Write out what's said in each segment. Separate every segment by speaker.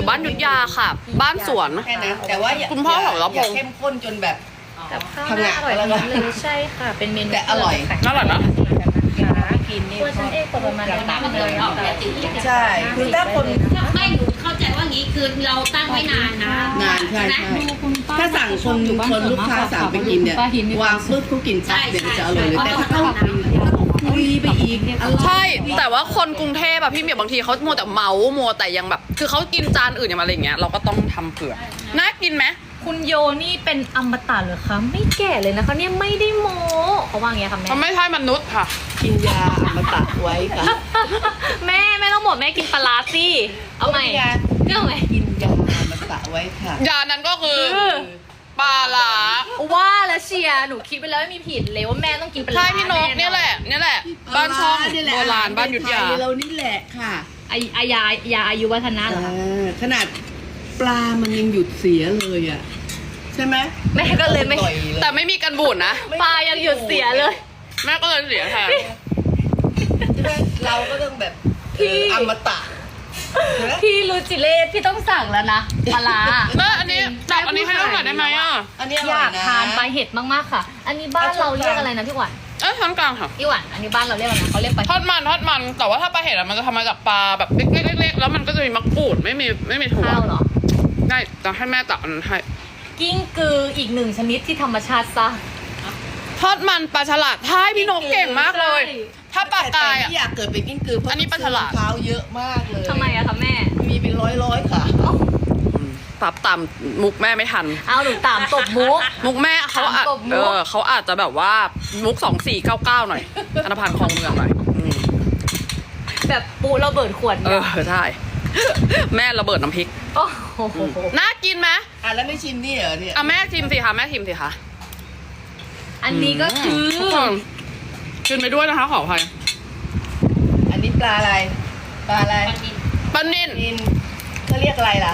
Speaker 1: อยู่บ้านยุทธยาค่ะ บ้านสวน
Speaker 2: แค่นั้นแต่ว่าอย่า
Speaker 1: คุณพ่อของเรา
Speaker 2: อย่าเข้มข้นจนแบบ
Speaker 3: กับข้าวน่าอร่อยทั้งนั้นเลยใช่ค่ะ เป็นเมนู
Speaker 2: แต่อร่อย
Speaker 1: อร่อยนะ
Speaker 3: กินตัวฉันเองประมาณนั้นเลย
Speaker 2: ใช่คือถ้าคน
Speaker 4: ไม่หนูเข้าใจว่างี้คือเราตั้งไว้นานนะ
Speaker 2: นานใช่ใช่ถ้าสั่งคนลูกค้าสั่งไปกินเนี่ยวางปุ๊บเขากินปั๊บเดี๋ยวจะอร่อยเลยแต่ถ้าเขาคุยไปอีกอร่อย
Speaker 1: ใช่แต่ว่าคนกรุงเทพอะพี่เหมียวบางทีเขามัวแต่เมามัวแต่ยังแบบ คือเขากินจานอื่นอย่างอะไรอย่างเงี้ยเราก็ต้องทำเผื่อน่ากินไหม
Speaker 3: คุณโยนี่เป็นอมตะเหรอคะไม่แก่เลยนะคะเนี่ยไม่ได้โม้เขาว่าอย่างเงี้ยค่ะแม่
Speaker 1: มันไม่ใช่มนุษย์ค่ะ
Speaker 2: กินยาอมตะไว้ค่ะ
Speaker 3: แม่ต้องหมดแม่กินปลาร้าสิเอาใหม่เรื่องไหม
Speaker 2: กินยาอมตะไว้ค่ะ
Speaker 1: ยานั้นก็คือปลาหลา
Speaker 3: ว่าแล้วเชียร์หนูคิดไปแล้วไม่มีผิดเลยว่าแม่ต้องกินปลาร้า
Speaker 1: ใช่พี่นกเนี่ยแหละบ้านช่องโบราณบ้านยุทธยา
Speaker 2: เรานี่แหละค่ะ
Speaker 3: ยาอายุวัฒนะเหรอคะ
Speaker 2: ขนาดปลามันยังหยุดเสียเลยอ่ะใช่ไหม
Speaker 3: แม่ก็เลยไม่
Speaker 2: ต่อยเลย
Speaker 1: แต่ไม่มีกันบูดนะ
Speaker 3: ปลายังหยุดเสียเลย
Speaker 1: แม่ก็เลยเสียแทน
Speaker 2: ใช่ไหมเราก็ต้องแบบ
Speaker 3: พี่
Speaker 2: อมตะ
Speaker 3: พี่ลูจิเลสพี่ต้องสั่งแล้วนะปลาร้า
Speaker 1: แม่อันนี้จับอันนี้ให้เราหน่อยได้ไหมอ่ะ
Speaker 2: อันนี้อ
Speaker 3: อ
Speaker 2: ร่อย
Speaker 3: ยาก
Speaker 2: นะ
Speaker 3: ทานปลาเห็ดมากๆค่ะ อันนี้บ้านเราเรียกอะไรนะพี่หวาน
Speaker 1: เอ้ยช้อนกลางค่ะ
Speaker 3: พี่หวานอันนี้บ้านเราเรียกอะไรนะเขาเรียกปลา
Speaker 1: ทอดมันแต่ว่าถ้าปลาเห็ดอะมันจะทำมาจากปลาแบบเล็กๆแล้วมันก็จะมีมะกรูดไม่มีถั่ว
Speaker 3: ข้าวเหรอ
Speaker 1: ได้จะให้แม่ตักอันนั้นให้
Speaker 3: กิ้งกืออีกหนึ่งชนิดที่ธรรมชาติสร้าง
Speaker 1: ทอดมันปลาฉลาดท้ายพี่นกเก่งมากเลย
Speaker 3: ใช่
Speaker 1: ถ้าปลากาย
Speaker 2: แต่
Speaker 1: อ่ะ
Speaker 2: ที่อยากเกิดเป็นกิ้งกือเพราะ
Speaker 1: อันนี้ปลาฉลาด
Speaker 2: เท้าเยอะมากเลย
Speaker 3: ทำไมอะคะแม่
Speaker 2: มีเป็นร้อยค่ะ
Speaker 1: ปรับตามมุกแม่ไม่ทัน
Speaker 3: เอาหนูตามตบมุก
Speaker 1: มุกแม่เขาอะ
Speaker 3: ตามตบมุก
Speaker 1: เขาอาจจะแบบว่ามุก2499หน่อยธนพันธ์คลองเมืองหน่อยอืม
Speaker 3: แบบปูระเบิดขวด
Speaker 1: ใช่ แม่ระเบิดน้ำพริก
Speaker 3: โอ้โห
Speaker 1: น่ากินไหม
Speaker 2: อ่ะแล้วไม่ชิมนี่เหรอเนี่ย
Speaker 1: อ่ะแม่ชิมสิคะแม่ชิมสิคะ
Speaker 3: อันนี้ก็คือ
Speaker 1: ทุกคนชิมไปด้วยนะคะขออภัย
Speaker 2: อันนี้ปลาอะไรปลาอะไร
Speaker 1: ปลานิ่น
Speaker 2: นินเขาเรียกอะไรล่ะ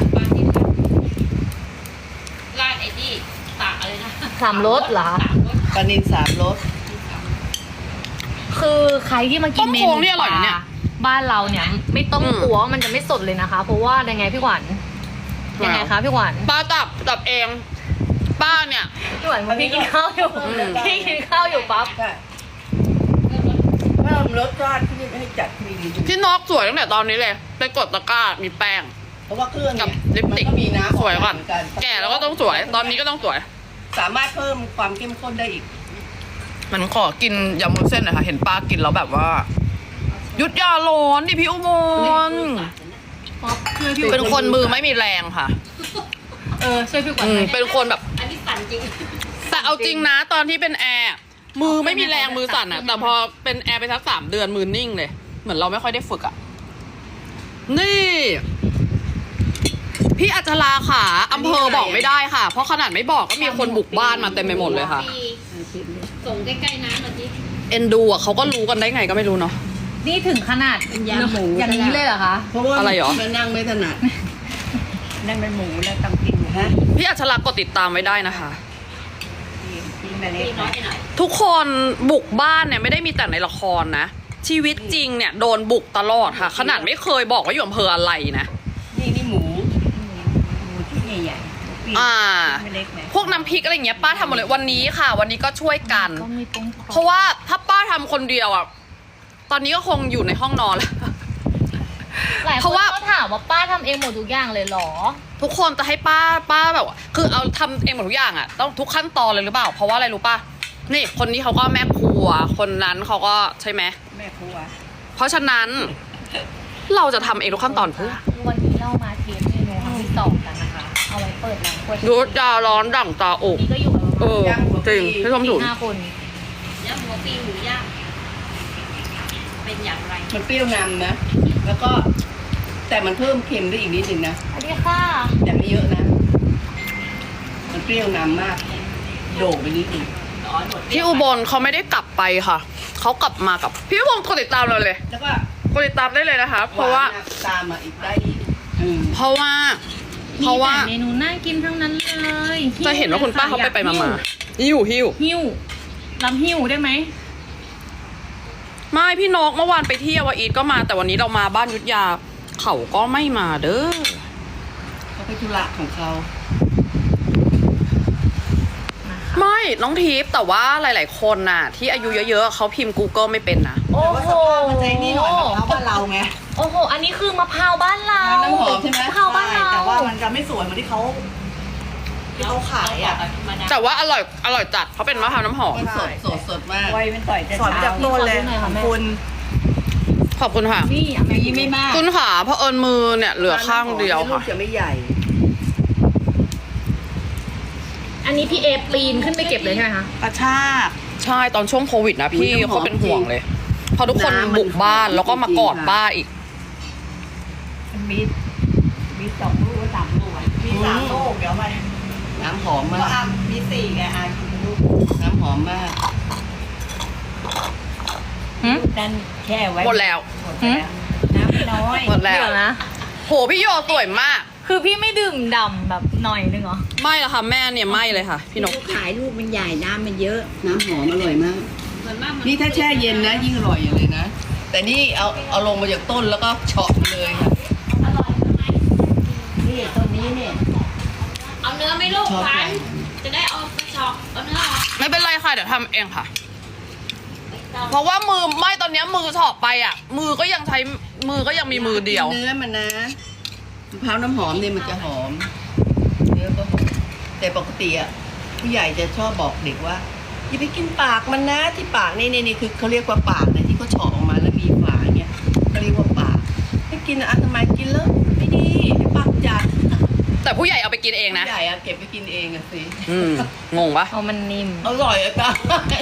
Speaker 4: ราดไอ้ที่ตากอะไรนะ
Speaker 3: สามรสเหรอ
Speaker 2: ปลานินสามรส
Speaker 3: คือใครที่มากินเมนู
Speaker 1: ต้มโค้งนี่อร่อยนะเนี่ย
Speaker 3: บ้านเราเนี่ยไม่ต้อง
Speaker 1: อืม
Speaker 3: กลัวว่ามันจะไม่สดเลยนะคะ เพราะว่ายังไงพี่หวานยังไงคะพี่หวาน
Speaker 1: ปลาตับเองป้าเนี่ย
Speaker 3: พี่หวานพี่กินข้าวอยู่พี่กินข้าวอยู่ปั๊บ
Speaker 2: ใช่ถ้ารสชาติที่ให้จัดมีดี
Speaker 1: พี่นกสวยตั้งแต่ตอนนี้เลยไปกดตะกร้ามีแป้ง
Speaker 2: เพราะว่าเครื่อง
Speaker 1: กับ
Speaker 2: เนี่ย
Speaker 1: ลิปสติก
Speaker 2: มันก็มีน้ำ
Speaker 1: สวยก่อน
Speaker 2: เหมื
Speaker 1: แก่แล้วก็ต้องสวย ตอนนี้ก็ต้องสวย
Speaker 2: สามารถเพิ่มความเข้มข้นได้อีก
Speaker 1: มันขอกินยำมุ้นเส้นหน่อยค่ะ เห็นป้ากินแล้วแบบว่า ยุดยาร้อนดิพี่อุบลเป็นคนมือไม่มีแรงค่ะ
Speaker 3: ช่วยพี่หวาน
Speaker 1: เป็นคนแบบ
Speaker 4: อันนี้สั่นจริง
Speaker 1: แต่เอาจริงนะตอนที่เป็นแอร์มือไม่มีแรงมือสั่นอะแต่พอเป็นแอร์ไปสัก3 เดือนมือนิ่งเลย เหมือนเราไม่ค่อยได้ฝึกอะนี่ พี่อัจฉราค่ะอำเภอบอกไม่ได้ค่ะ เพราะขนาดไม่บอกก็มีคนบุกบ้านมาเต็มไปหมดเลยค่ะ
Speaker 4: ส่งใกล้ๆน้ำหน่อยสิ
Speaker 1: เอ็นดูอะเขาก็รู้กันได้ไงก็ไม่รู้เนาะ
Speaker 3: นี่ถึงขนาด
Speaker 4: เป็นยำหมู
Speaker 3: อย่างนี้เลยเหรอคะ
Speaker 2: เพราะว่า
Speaker 1: อะไรหรอ
Speaker 2: มันนั่งไม่ถนัดนั่นเป็นหมูแล้วต้องกินฮะ
Speaker 1: พี่อัจฉรากดติดตามไว้ได้นะคะ
Speaker 2: กินไป
Speaker 4: พี่
Speaker 2: เล็ก
Speaker 4: น้อยไปหน่อย
Speaker 1: ทุกคนบุกบ้านเนี่ยไม่ได้มีแต่ในละครนะ ชีวิตจริงเนี่ยโดนบุกตลอดค่ะ ขนาดไม่เคยบอกว่าอยู่อำเภออะไรนะ
Speaker 2: นี่หมูที่ใหญ่ๆ
Speaker 1: อ่า
Speaker 2: ไม่เล็กนะ
Speaker 1: พวกน้ำพริกอะไรอย่างเงี้ยป้าทำหมดเลยวันนี้ค่ะ วันนี้ก็ช่วยกัน
Speaker 3: ก็มีปุ้ง
Speaker 1: เพราะว่าถ้าป้าทำคนเดียวอ่ะตอนนี้ก็คงอยู่ในห้องนอนแล้ว
Speaker 3: หลาย
Speaker 1: เพ
Speaker 3: คน
Speaker 1: ราะว่า
Speaker 3: ก็ถามว่าป้าทำเองหมดทุกอย่างเลยเหรอ
Speaker 1: ทุกคนจะให้ป้าแบบว่าคือเอาทำเองหมดทุกอย่างอ่ะต้องทุกขั้นตอนเลยหรือเปล่า เพราะว่าอะไรรู้ป่ะนี่คนนี้เขาก็แม่ครัว คนนั้นเขาก็ใช่ไหม
Speaker 2: แม่ครัว
Speaker 1: เพราะฉะนั้นเราจะทำเองทุกขั้นตอนเพื่อ
Speaker 3: วันนี้เรามาเทสเมนูครั้งที่2กันนะคะ เอาไว้เปิดร้านกล้วย
Speaker 1: ดูจาร้อนดั่งตาอก
Speaker 3: นี่ก็อยู่กันประมาณ
Speaker 1: จริงพี่ชมถูก
Speaker 3: 4-5 คน
Speaker 4: ย่างหัวปีหมูย่างเป็นอย่างไร
Speaker 2: มันเปรี้ยวนำนะ แล้วก็แต่มันเพิ่มเค็มได้อีกนิดนึงนะ
Speaker 3: สวัสดีค่ะ
Speaker 2: แต่ไม่เยอะนะ มันเปรี้ยวนำมาก โด่งไปนิดนึง
Speaker 4: อ๋อหมด
Speaker 1: พี่อุบลเขาไม่ได้กลับไปค่ะเขากลับมากับพี่อุบลกดติดตามเราเลย
Speaker 2: แล้วก็
Speaker 1: กดติดตามได้เลยนะคะ เพราะว่า
Speaker 2: หนตามมาอีกได้อีก
Speaker 1: เพราะว่า
Speaker 3: มีแต่เมนูน่ากินทั้งนั้นเลย
Speaker 1: จะเห็นว่าคุณป้าเขาไปมาหิว
Speaker 3: หิ้วลำหิ้วได้ไหม
Speaker 1: ไม่พี่นกเมื่อวานไปเที่ยวอีทก็มาแต่วันนี้เรามาบ้านยุทธยาเขาก็ไม่มาเด้อ
Speaker 2: ไปธุระของเขา
Speaker 1: ไม่น้องทิพย์แต่ว่าหลาย ๆ คนน่ะ ที่อายุเยอะ ๆเขาพิมพ์ Google ไม่เป็นนะ
Speaker 3: โอ้
Speaker 2: แต่ว่า
Speaker 3: โห
Speaker 2: สภาพมันใจนี่หน่อยมะพร้าวบ้านเราไง
Speaker 3: โอ้โห อันนี้คือมะพร้าวบ้านเรา
Speaker 2: น้ำหอมใช่ไหม
Speaker 3: มะพร้าวบ้านเรา
Speaker 2: แต่ว่ามันจะไม่สวยเหมือนที่เขาขายอ่ะ
Speaker 1: แต่ว่าอร่อยจัดเพราะเป็นมะพร้าวน้ำหอม
Speaker 2: มันสดมาก
Speaker 5: ไวเป็นต่อยแต่
Speaker 2: สอนจากต้นเลย
Speaker 3: ขอดูหน่อยค่ะแม่
Speaker 2: คุณ
Speaker 1: ขอบคุณค่ะ
Speaker 3: นี่อ่ะแม่
Speaker 2: มีไม่มาก
Speaker 1: คุณขาเพราะเอิญมือเนี่ยเหลือข้างเดียว
Speaker 2: ลู
Speaker 1: ค่ะ
Speaker 2: กจะไม่ใหญ่
Speaker 3: อันนี้พี่เอปีนขึ้นไปเก็บเลยใช่ไหมคะ
Speaker 2: กระชาก
Speaker 1: ใช่ตอนช่วงโควิดนะพี่
Speaker 2: อุ๊ยน้ำหอม
Speaker 1: เขาเป็นห่วงเลยเพราะทุกคน
Speaker 2: น้ำมัน
Speaker 1: บุกบ้าน
Speaker 2: หอม
Speaker 1: แล้วก็มากอด
Speaker 2: จริงๆค่ะ
Speaker 1: ป้าอีก
Speaker 5: มี2 ลูกก็3 ลูกอ่ะ
Speaker 2: มี3 ลูกเดี๋ยวมาน้ำหอมมาก
Speaker 5: มี4ไงกินลูก
Speaker 2: น้ำหอมมาก
Speaker 5: นั่นแช่ไว้
Speaker 1: หมดแล้ว
Speaker 5: หมดแล้วน้ำไม่น้อย
Speaker 1: หมดแล้ว
Speaker 3: เดี๋ยวนะ
Speaker 1: โหพี่โยสวยมาก
Speaker 3: คือพี่ไม่ดื่มดำแบบหน่อยนึงเหรอ
Speaker 1: ไม่ละค่ะแม่เนี่ยไม่เลยค่ะพี่นก
Speaker 5: ขายลูกมันใหญ่น้ำมันเยอะ
Speaker 2: น้ำหอมอร่อยมาก
Speaker 4: ส่วนมากมัน
Speaker 2: นี่ถ้าแช่เย็นนะยิ่งอร่อยอย่างเลยนะ แต่นี่เอาลงมาจากต้นแล้วก็เฉาะมาเลยค่ะ
Speaker 4: อร่อยใช่ไหม
Speaker 5: นี่ตัวนี้เนี่ย
Speaker 4: เอาเนื้อไหม่ลูก
Speaker 2: ชอบ
Speaker 4: ขวัญ
Speaker 2: มาก
Speaker 4: จะได้เอาไปชอกเอาเนื้อออก
Speaker 1: ไม่เป็นไรค่ะเดี๋ยวทำเองค่ะ
Speaker 4: ไม่ต้อง
Speaker 1: เพราะว่ามือไม่ตอนเนี้ยมือถอกไปอ่ะ มือก็ยังมีมือเดียว
Speaker 2: เนื้อมันนะมะพร้าวน้ำหอมเนี่ยมันจะหอม เนื้อก็หอมแต่ปกติอ่ะผู้ใหญ่จะชอบบอกเด็กว่าอย่าไปกินปากมันนะที่ปากนี่คือเขาเรียกว่าปากนะที่เขาเฉาะออกมาแล้วมีฝาเนี่ยเขาเรียกว่าปากไม่กินอ่ะทำไมกินแล้วไม่ดีให้ปากจัด
Speaker 1: แต่ผู้ใหญ่เอาไปกินเองนะ
Speaker 2: ผู้ใหญ่อะเก็บไปกินเองอะสิ
Speaker 1: งงปะ
Speaker 3: เอามันนิ่ม
Speaker 2: อร่อยอะจ้ะ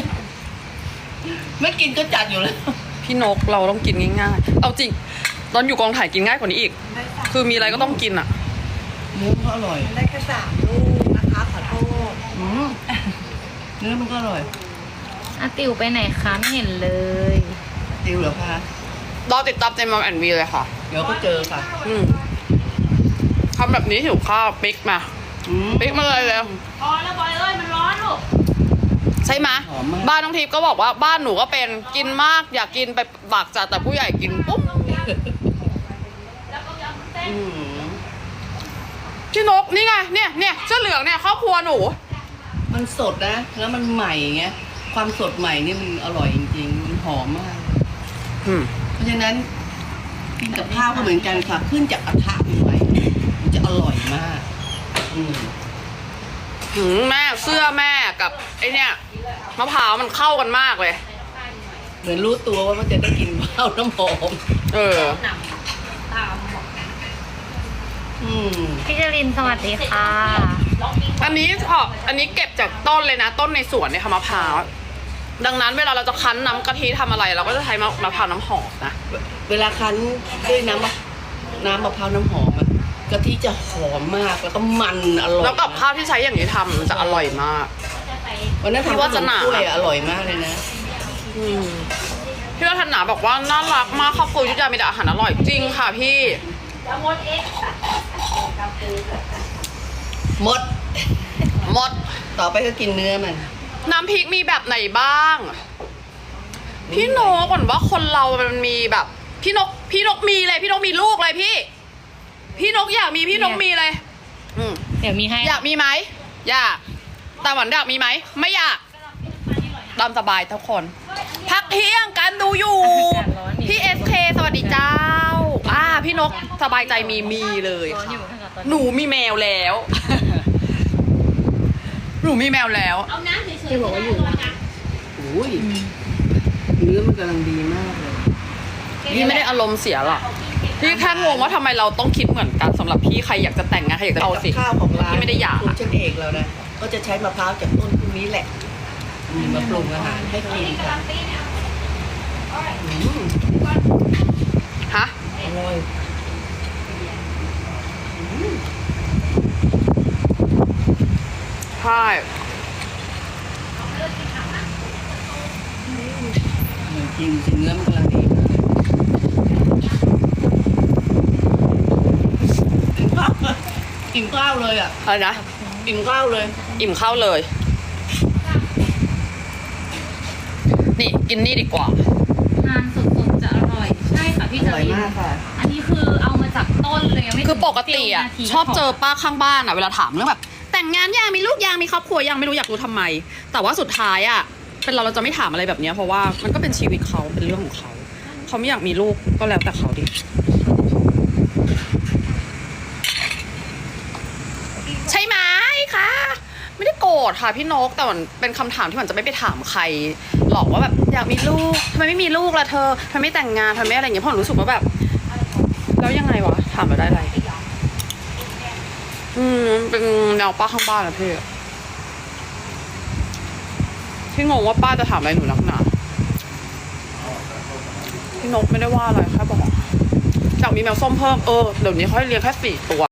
Speaker 2: ไม่กินก็จัดอยู่แล้ว
Speaker 1: พี่นกเราต้องกินง่ายๆเอาจริงตอนอยู่กองถ่ายกินง่ายกว่านี้อีก คือมีอะไรก็ต้องกินอ่ะ
Speaker 2: เนื้อมันก็อร่อย
Speaker 5: ได้แค่3 ลูกนะคะขอโทษ
Speaker 2: อืมเนื้อมันก็อร่อย
Speaker 3: อ่ะติวไปไหนคะไม่เห็นเลย
Speaker 2: ติวเหรอคะ
Speaker 1: รอติดตามในมัมแอนวีเลยค่ะ
Speaker 2: เดี๋ยวก็เจอค่ะ
Speaker 1: ทำแบบนี้หิวข้าวปิ๊กมา
Speaker 2: อืม
Speaker 1: ปิ๊กมาเลยแล้ว
Speaker 4: พอแล้วบอยเอ้ยมันร้อนลูก
Speaker 1: ใช่ไหม
Speaker 2: หอมมาก
Speaker 1: บ้านน้องทิพย์ก็บอกว่าบ้านหนูก็เป็นกินมากอยากกินไปบากจัดแต่ผู้ใหญ่กินปุ๊บ
Speaker 4: แล้วก็ยำเส้น
Speaker 2: อืม
Speaker 1: พี่นกนี่ไงเนี่ยเสื้อเหลืองเนี่ยครอบครัวหนู
Speaker 2: มันสดนะ แล้วมันใหม่ไงความสดใหม่นี่มันอร่อยจริงๆมันหอมมาก เพราะฉะนั้นกินกับข้าวก็เหมือนกันค่ะ ขึ้นจากกระทะใหม่ๆมันจะอร่อยมาก อืม
Speaker 1: แม่เสื้อแม่กับไอเนี่ยมะพร้าวมันเข้ากันมากเลย
Speaker 2: เหมือนรู้ตัวว่ามันจะได้กินข้าวน้ำหอม
Speaker 1: เออ
Speaker 4: หนำตามบอก
Speaker 2: อืม
Speaker 3: พี่จรินสวัสดีค่ะ
Speaker 4: ลองกิน
Speaker 1: อันนี้เก็บจากต้นเลยนะ ต้นในสวนเนี่ยค่ะมะพร้าวดังนั้นเวลาเราจะคั้นน้ำกะทิทำอะไร เราก็จะใช้มะพร้าวน้ำหอมนะ
Speaker 2: เวลาคั้นด้วยน้ำมะพร้าวน้ำหอมอะกะทิจะหอมมากแล้วก็มันอร่อย
Speaker 1: แล้วกับข้าวที่ใช้อย่างนี้ทำมันจะอร่อยมาก
Speaker 4: จะใส่
Speaker 2: วันนั้น
Speaker 1: พี่
Speaker 2: ทำ
Speaker 1: ว่าจะหนา
Speaker 2: ขมกล้วยอะอร่อยมากเลยนะ
Speaker 1: พี่วัฒนาบอกว่าน่ารักมากครอบครัวยุทธยามีแต่อาหารอร่อยจริงค่ะพี่
Speaker 4: แล้วมดเอ็กซ์
Speaker 2: หมด
Speaker 1: หมด
Speaker 2: ต่อไปก็กินเนื้อมัน
Speaker 1: น้ำพริกมีแบบไหนบ้าง พี่นกก่อนว่าคนเรามันมีแบบ พี่นกมีเลยพี่นกมีลูกเลยพี่นกอยากมีพี่นกมีเลย
Speaker 3: เดี๋ยวมีให้
Speaker 1: อยากมีไหมอยากแต่หวันอยากมีไหมไม่อยากตามสบายทุกคน พักเที่ยงกันดูอยู่ พี่ SK สวัสดีเจ้าพี่นกสบายใจมีเลย
Speaker 3: ร้อน
Speaker 1: ค่ะ
Speaker 3: อยู่ค่ะตอน
Speaker 1: หนูมีแมวแล้ว หนูมีแมวแล้ว
Speaker 4: เอาน้ำเฉยๆที่บอกว่าอยู่นะ
Speaker 2: โอ้ยเนื้อมันกำลังดีมากเลย
Speaker 1: พี่ไม่ได้อารมณ์เสียหรอกพี่แค่งงว่าทำไมเราต้องคิดเหมือนกันสำหรับพี่ใครอยากจะแต่งงานใครอยากจะเอาสิ
Speaker 2: กับข้าวของร้าน
Speaker 1: ที่ไม่ได้อยาก
Speaker 2: คุณเช่นเอกเรานะก็จะใช้มะพร้าวจากต้นพวกนี้แหละมาปรุงอาหารให้กินค่ะอืม
Speaker 1: ฮะ
Speaker 2: อร่อย
Speaker 1: ใช่
Speaker 2: จริงเนื้อมันกำลังดีมากกินข้าวเลยอ่ะ
Speaker 1: อะไรนะ
Speaker 2: กินข้าวเลย
Speaker 1: อิ่มข้าวเลย นี่กินนี่ดีกว่า
Speaker 3: ทานสดๆจะอร่อย ใช่ค่ะพี่
Speaker 2: อ
Speaker 3: จ
Speaker 2: ร่อย
Speaker 3: ริน
Speaker 2: มากค่ะ
Speaker 3: อันนี้คือเอามาจากต้นเลยยังไม่
Speaker 1: คือปกติอ่ะชอบเจอป้าข้างบ้านอ่ะเวลาถามเรื่องแบบแต่งงานยังมีลูกยังมีครอบครัวยังไม่รู้อยากรู้ทำไม แต่ว่าสุดท้ายอ่ะเป็นเราจะไม่ถามอะไรแบบเนี้ยเพราะว่ามันก็เป็นชีวิตเขาเป็นเรื่องของเขาเขาไม่อยากมีลูกก็แล้วแต่เขาดิใช่ไหมคะไม่ได้โกรธค่ะพี่นกแต่มันเป็นคำถามที่มันจะไม่ไปถามใครหรอกว่าแบบอยากมีลูกทำไมไม่มีลูกล่ะเธอทำไมไม่แต่งงานทำไมไม่อะไรอย่างเงี้ยเพราะรู้สึกว่าแบบแล้วยังไงวะถามมาได้อะไรเป็นแนวป้าข้างบ้านนะพี่งงว่าป้าจะถามอะไรหนูนักหนาพี่นกไม่ได้ว่าอะไรแค่บอกอยากมีแมวส้มเพิ่มเดี๋ยวนี้เขาให้เลี้ยงแค่4 ตัว